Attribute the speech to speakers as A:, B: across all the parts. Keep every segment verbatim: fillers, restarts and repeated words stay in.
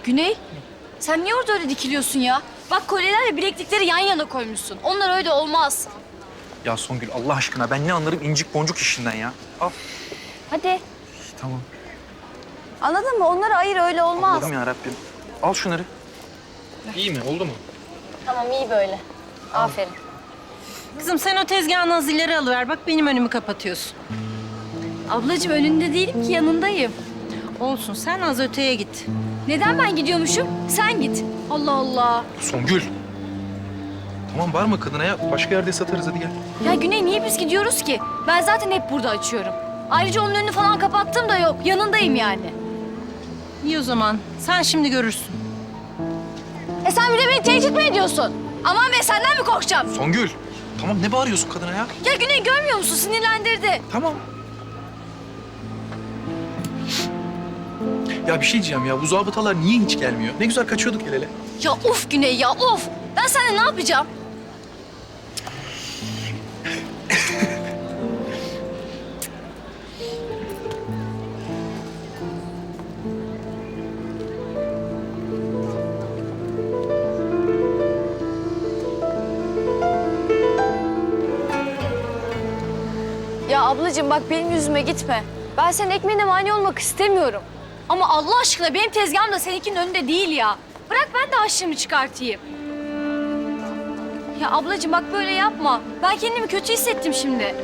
A: Güney, sen niye orada öyle dikiliyorsun ya? Bak kolyelerle bileklikleri yan yana koymuşsun. Onlar öyle olmaz.
B: Ya Songül Allah aşkına ben ne anlarım incik boncuk işinden ya. Al.
A: Hadi.
B: Tamam.
A: Anladın mı? Onları ayır, öyle olmaz.
B: Allah'ım yarabbim. Al şunları. İyi mi? Oldu mu?
A: Tamam, iyi böyle. Aferin.
C: Kızım sen o tezgahın az ileri alıver. Bak benim önümü kapatıyorsun.
A: Ablacığım önünde değilim ki, yanındayım.
C: Olsun sen az öteye git.
A: Neden ben gidiyormuşum? Sen git. Allah Allah.
B: Songül. Tamam bağırma kadına ya. Başka yerde satarız hadi gel.
A: Ya Güney, niye biz gidiyoruz ki? Ben zaten hep burada açıyorum. Ayrıca onun önünü falan kapattım da yok. Yanındayım yani.
C: İyi o zaman. Sen şimdi görürsün.
A: E sen bir de beni tehdit mi ediyorsun? Aman be, senden mi korkacağım?
B: Songül. Tamam ne bağırıyorsun kadına ya?
A: Ya Güney, görmüyor musun? Sinirlendirdi.
B: Tamam. Ya bir şey diyeceğim ya. Bu zabıtalar niye hiç gelmiyor? Ne güzel kaçıyorduk el ele.
A: Ya of Güney ya, of! Ben seninle ne yapacağım? Ya ablacığım bak, benim yüzüme gitme. Ben senin ekmeğine mani olmak istemiyorum. Ama Allah aşkına benim tezgahım da seninkinin önünde değil ya. Bırak ben de harçlığımı çıkartayım. Ya ablacığım bak, böyle yapma. Ben kendimi kötü hissettim şimdi.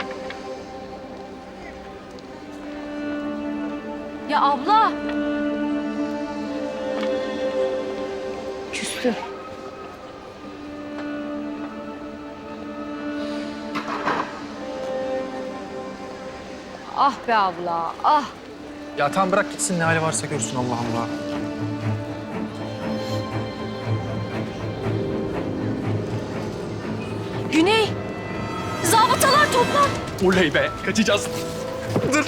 A: Ya abla. Küstü. Ah be abla, ah.
B: Ya tamam bırak gitsin ne hali varsa görsün Allah Allah.
A: Güney, zabıtalar toplan.
B: Oley be kaçacağız. Dur.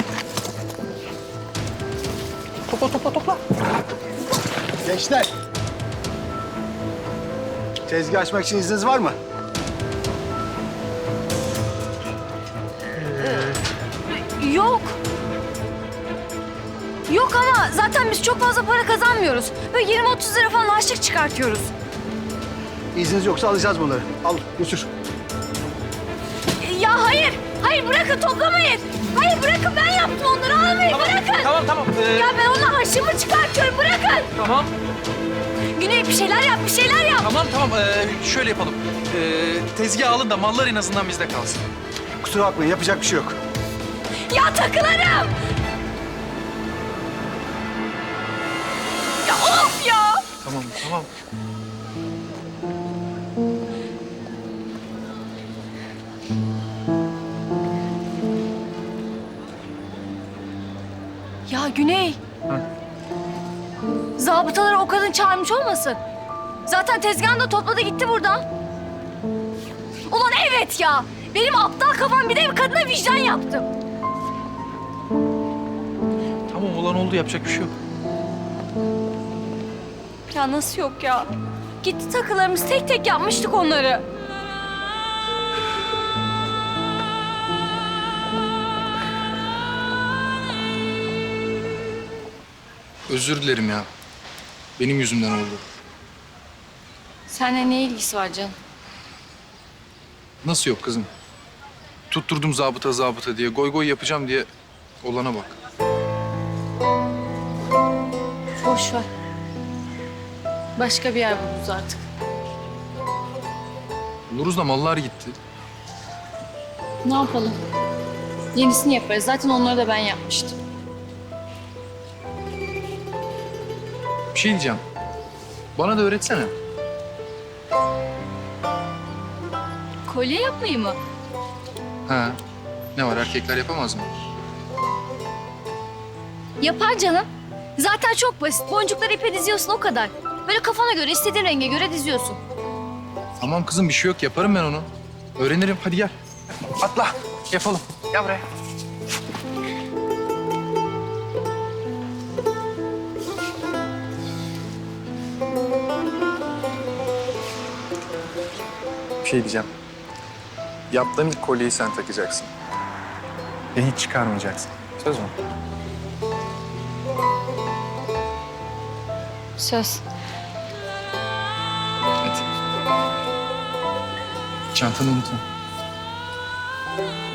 B: Topla topla topla.
D: Gençler. Tezgah açmak için izniniz var mı?
A: Yok. Yok ama zaten biz çok fazla para kazanmıyoruz. Böyle yirmi otuz lira falan harçlık çıkartıyoruz.
D: İzniniz yoksa alacağız bunları. Al götür.
A: Ya hayır, hayır bırakın, toplamayın. Hayır bırakın, ben yaptım onları, almayın, bırakın.
B: Tamam tamam. Ee,
A: Ya ben onunla harçlığımı çıkartıyorum, bırakın.
B: Tamam.
A: Güney bir şeyler yap, bir şeyler yap.
B: Tamam tamam. Ee, şöyle yapalım. Ee, tezgah alın da mallar en azından bizde kalsın.
D: Kusura bakmayın yapacak bir şey yok.
A: Ya takılarım. Ya of ya.
B: Tamam tamam.
A: Ya Güney.
B: Hı.
A: Zabıtaları o kadın çağırmış olmasın? Zaten tezgahını da topladı gitti buradan. Ulan evet ya. Benim aptal kafam, bir de bir kadına vicdan yaptım.
B: Tamam olan oldu yapacak bir şey yok.
A: Ya nasıl yok ya? Gitti takılarımız, tek tek yapmıştık onları.
B: Özür dilerim ya. Benim yüzümden oldu.
A: Seninle ne ilgisi var canım?
B: Nasıl yok kızım? Tutturdum zabıta zabıta diye, goy goy yapacağım diye olana bak.
A: Boş ver. Başka bir yer buluruz artık.
B: Buluruz da mallar gitti.
A: Ne yapalım? Yenisini yaparız. Zaten onları da ben yapmıştım.
B: Bir şey diyeceğim. Bana da öğretsene.
A: Kolye yapmayı mı?
B: Ha. Ne var erkekler yapamaz mı?
A: Yapar canım. Zaten çok basit. Boncukları ipe diziyorsun, o kadar. Böyle kafana göre, istediğin renge göre diziyorsun.
B: Tamam kızım bir şey yok yaparım ben onu. Öğrenirim hadi gel. Atla yapalım. Gel buraya. Bir şey diyeceğim. Yaptığım ilk kolyeyi sen takacaksın. Ve hiç çıkarmayacaksın. Söz mü?
A: Söz.
B: Hadi. Çantanı unutma.